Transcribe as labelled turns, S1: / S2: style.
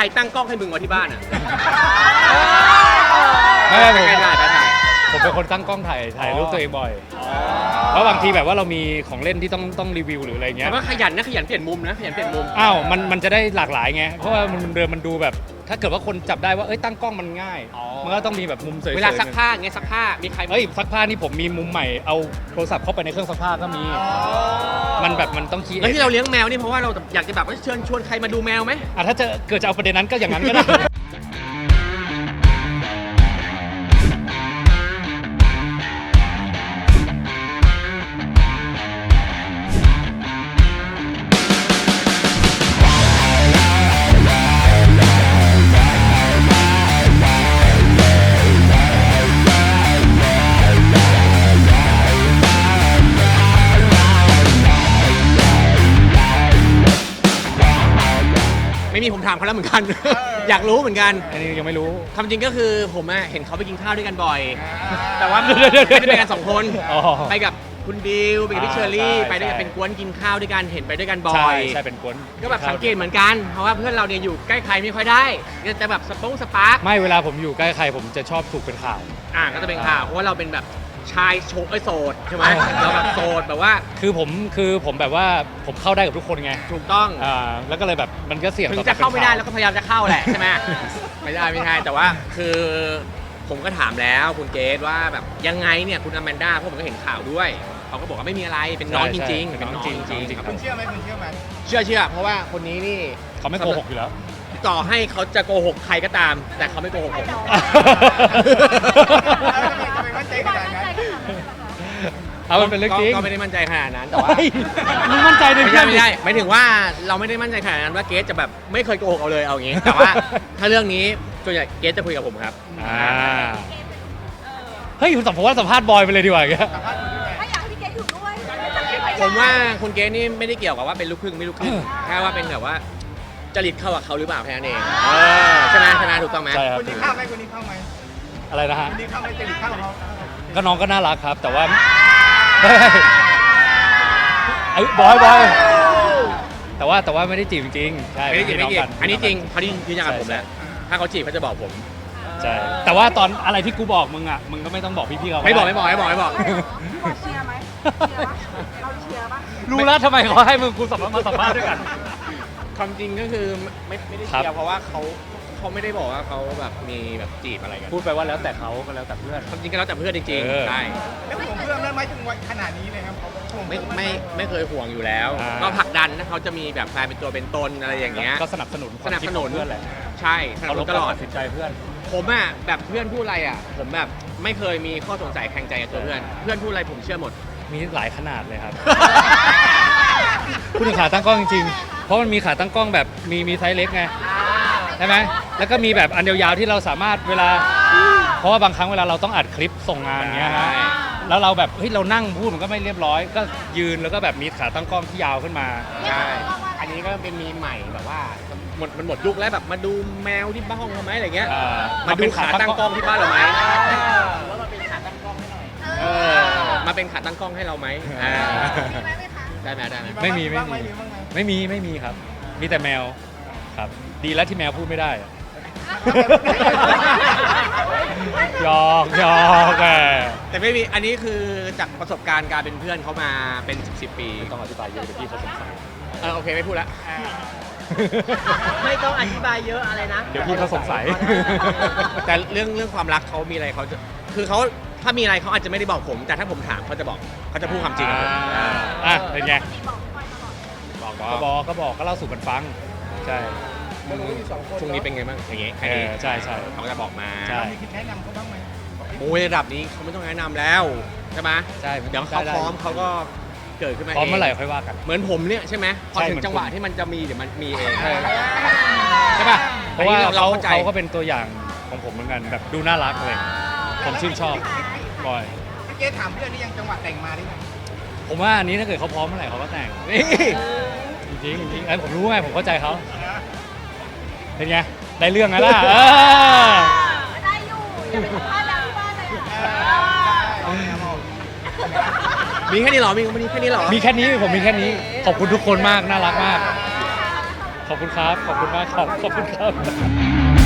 S1: รตั้งกล้องให้มึงวะที่บ้านอ่ะ
S2: ไม่ผม
S1: ถ่าย
S2: ผมเป็นคนตั้งกล้องถ่ายรูปตัวเองบ่อยเพราะบางทีแบบว่าเรามีของเล่นที่ต้องรีวิวหรืออะไรเงี้ย
S1: แต่ว่าขยันนะขยันเปลี่ยนมุมนะขยันเปลี่ยนมุม
S2: อ้าวมันจะได้หลากหลายไงเพราะว่ามันดูแบบถ้าเกิดว่าคนจับได้ว่าเอ้ยตั้งกล้องมันง่ายมันก็ต้องมีแบบมุมสวยๆ
S1: เวลาซักผ้าไงซักผ้ามีใคร
S2: เฮ้ยซักผ้านี่ผมมีมุมใหม่เอาโทรศัพท์เข้าไปในเครื่องซักผ้าก็มีมันแบบมันต้องคิด
S1: แล้วที่เราเลี้ยงแมวนี่เพราะว่าเราอยากจะแบบว่าเชิญชวนใครมาดูแมวไหม
S2: ถ้าจะเกิดจะเอาประเด็นนั้นก็อย่างนั้นก็ได้
S1: ไม่มีผมถามเขาแล้วเหมือนกัน อยากรู้เหมือนกัน
S2: อันนี้ยังไม่รู้
S1: ความจริงก็คือผมเห็นเขาไปกินข้าวด้วยกันบ่อย แต่ว่าไม่ได้ไปกัน2 คน
S2: อ๋อ
S1: ไปกับคุณบิวไปกับพี่เชอรี่
S2: ใช่
S1: ไปด้วยกันเป็นกวนกินข้าวด้วยกันเห็นไปด้วยกันบ่
S2: ใช่
S1: อย
S2: ใช่เป็นกวน
S1: ก็แบบสังเกตเหมือนกันเพราะว่าเพื่อนเราเนี่ยอยู่ใกล้ใครไม่ค่อยได้ก็จะแบบสปาร์ค
S2: ไม่เวลาผมอยู่ใกล้ใครผมจะชอบถูกเป็นข่าว
S1: ก็จะเป็นข่าวเพราะว่าเราเป็นแบบชายโสดใช่ไหมเราแบบโสดแบบว่า
S2: คือผมแบบว่าผมเข้าได้กับทุกคนไง
S1: ถูกต้อง
S2: แล้วก็เลยแบบมันก็เสี่ยง
S1: ถึ
S2: ต่อง
S1: จะเข้าไม่ได้
S2: ป็น
S1: แล้วก็พยายามจะเข้าแหละใช่ไหม ไม่ใช่แต่ว่าคือผมก็ถามแล้วคุณเกรซว่าแบบยังไงเนี่ยคุณอแมนด้าพวกผมก็เห็นข่าวด้วยเขาก็บอกว่าไม่มีอะไรเป็นน้องจริงๆเป็นน้องจริงๆ
S3: คุณเชื่อไหมคุณเชื่อไหม
S1: เชื่อเพราะว่าคนนี้นี่
S2: เขาไม่โกหกอยู่แล้ว
S1: ต่อให้เขาจะโกหกใครก็ตาม แต่เขาไม่โกหกผม
S3: ทำไมมั่นใจขนาดนั้น
S2: เอามันเป็นเรื่องจริง
S1: ก็ไม่ได้มั่นใจขนาดนั้นแต่ว่า
S2: เฮ้ยมึงมั่นใจใน
S1: ไม่
S2: เพื่อน
S1: ใช่หมายถึงว่าเราไม่ได้มั่นใจขนาดนั้นว่าเกสจะแบบไม่เคยโกหกเอาเลยเอาอย่างงี้ แต่ว่าถ้าเรื่องนี้ส่วนใหญ่เกสจะคุยกับผมครับ
S2: เฮ้ยคุณสัมภาษณ์บอยไปเลยดีกว่าอย่างเงี้ย
S4: ถ้าอยากให้พี่เกดอยู่ด้วย
S1: ผมว่าคุณเกสนี่ไม่ได้เกี่ยวกับว่าเป็นลูกครึ่งไม่ลูกครึ่งแค่ว่าเป็นแบบว่าจริตเข้ากับเขาหรือเปล่าแค่นั้นเองใช่ไหมถูกต้องไหม
S2: ใช่ครับ
S3: คุณนี่เข้าไหมคุณนี่เข้าไหม
S2: อะไรนะฮะ
S3: คุณนี่เข้าไหมจะหลีกเข้าเขา
S2: ก็น้องก็น่ารักครับ แต่ว่าเฮ้ยบอยแต่ว่าไม่ได้จีบจริงๆใช่
S1: ไม่ได้จีบไม่
S2: พี่
S1: จี
S2: น้อง
S1: บอันนี้จริงเขาที่ยืนยันกับผม
S2: ใช่
S1: แหละถ้าเขาจีบเขาจะบอกผม
S2: ใช่แต่ว่าตอนอะไรที่กูบอกมึงอ่ะมึงก็ไม่ต้องบอกพี่ๆเขา
S1: ไม่บอก
S4: เชียร์ไหมเชียร์ปะเราเชียร์ปะ
S2: รู้แล้วทำไมเขาให้มึงกูมาสัมภาษณ์ด้วยกัน
S1: ความจริงก็คือไม่ได้
S2: ครับ
S1: เชียร์เพราะว่าเขาไม่ได้บอกว่าเขาแบบมีแบบจีบอะไรกัน
S2: พูดไปว่าแล้วแต่เขาก็แล้วแต่เพื่อน
S1: ความจริงก็แล้วแต่เพื่อนจริง
S2: เออ
S1: ๆใช่
S3: แล้วผมเพื่อนนั้นไหมถึงวันขนาดนี้เลยครับผม
S1: ไม่เคยห่วงอยู่แล้ว ก็ผลักดันถ้าเขาจะมีแบบแฟนเป็นตัวเป็นตนอะไรอย่างเงี้ย
S2: ก็สนับสนุนความคิดของเพื่อนแหละ
S1: ใช่สนับสนุนตลอด
S2: สินใจเพื่อน
S1: ผมแบบเพื่อนพูดอะไรผมแบบไม่เคยมีข้อสงสัยแข่งใจกับตัวเพื่อนพูดอะไรผมเชื่อหมด
S2: มีหลายขนาดเลยครับ พูดถึงขาตั้งกล้องจริงๆ เพราะมันมีขาตั้งกล้องแบบมีไซส์เล็กไงใช่ไหมแล้วก็มีแบบอันยาวๆที่เราสามารถเวลา เพราะว่าบางครั้งเวลาเราต้องอัดคลิปส่งงานเงี้ยฮะ
S1: ใช่
S2: แล้วเราแบบเฮ้ยเรานั่งพูดมันก็ไม่เรียบร้อย ก็ยืนแล้วก็แบบมีขาตั้งกล้องที่ยาวขึ้นมา
S1: ใช่อันนี้ก็เป็นมีใหม่แบบว่ามันหมดยุคแล้วแบบมาดูแมวที่บ้านเราไหมอะไรเงี้ย มาดูขาตั้งกล้องที่บ้านเราไหมว่ามาเป็นขาตั้งกล้องให้หน่อยมาเป็นขาตั้งกล้องให้เราไหมได้ไหม
S2: ไม่มี
S3: บ้างไหม
S2: ไม่มีครับ มีแต่แมวครับ ดีแล้วที่แมวพูดไม่ได้อะหยอกแก
S1: แต่ไม่มีอันนี้คือจากประสบการณ์การเป็นเพื่อนเขามาเป็น10 ปี
S2: ต้องอธิบายเยอะเดี๋ยวพี่เขาสงสัย
S1: โอเคไม่พูดละ
S4: ไม่ต้องอธิบายเยอะอะไรนะ
S2: เดี๋ยวพี่เขาสงสัย
S1: แต่เรื่องความรักเขามีอะไรเขาจะคือเขาถ้ามีอะไรเขาอาจจะไม่ได้บอกผม แต่ถ้าผมถามเขาจะบอกเขาจะพูดความจริงกับผม
S2: เป็นไงก็บอกก็เล่าสู่กันฟังใช่
S1: ช่วงนี้เป็นไงบ้างอย่างเงี้ยแค่นี้
S2: ใช่
S1: เขาจะบอกมา
S2: ใช่
S3: มีคิดแนะนำเขาบ้างไหม
S1: โอ้ยระดับนี้เขาไม่ต้องแนะนำแล้วใช่ไหม
S2: ใช่
S1: เดี๋ยวเขาพร้อมเขาก็เกิดขึ้นมา
S2: พร้อม
S1: เอง
S2: เมื่อไหร่ค่อยว่ากัน
S1: เหมือนผมเนี่ยใช่ไหมพอ
S2: ใช่
S1: ถึ
S2: เหมื
S1: ง
S2: อน
S1: จังหวะ
S2: คุณ
S1: ที่มันจะมีเดี๋ยวมันมีเอง
S2: ใช่
S1: ใช่ป่ะ
S2: เพราะว่า
S1: อันนี้
S2: เขา
S1: เข้าใจ
S2: ก็เป็นตัวอย่างของผมเหมือนกันแบบดูน่ารักอะไรอย่างเงี้ยผมชื่นชอบบ่อย
S3: พี่เจ๊ถามเพื่อนนี่ยังจังหวะแต่งมาได้ไหม
S2: ผมว่าอันนี้ถ้าเกิดเขาพร้อมเมื่อไหร่เขาก็แต่ง
S1: นี่
S2: จริงผมรู้ไงผมเข้าใจเขาเป็นไงได้เรื่องไงล่ะ
S4: ได้อยู่อย่าไปสัมภาษณ์แล้วที่บ้านเลย
S1: มีแค่นี้เหรอมีแค่นี้เหรอ
S2: มีแค่นี้ผมมีแค่นี้ขอบคุณทุกคนมากน่ารักมากขขอบคุณครับ ขอบคุณมากครับ ขอบคุณครับ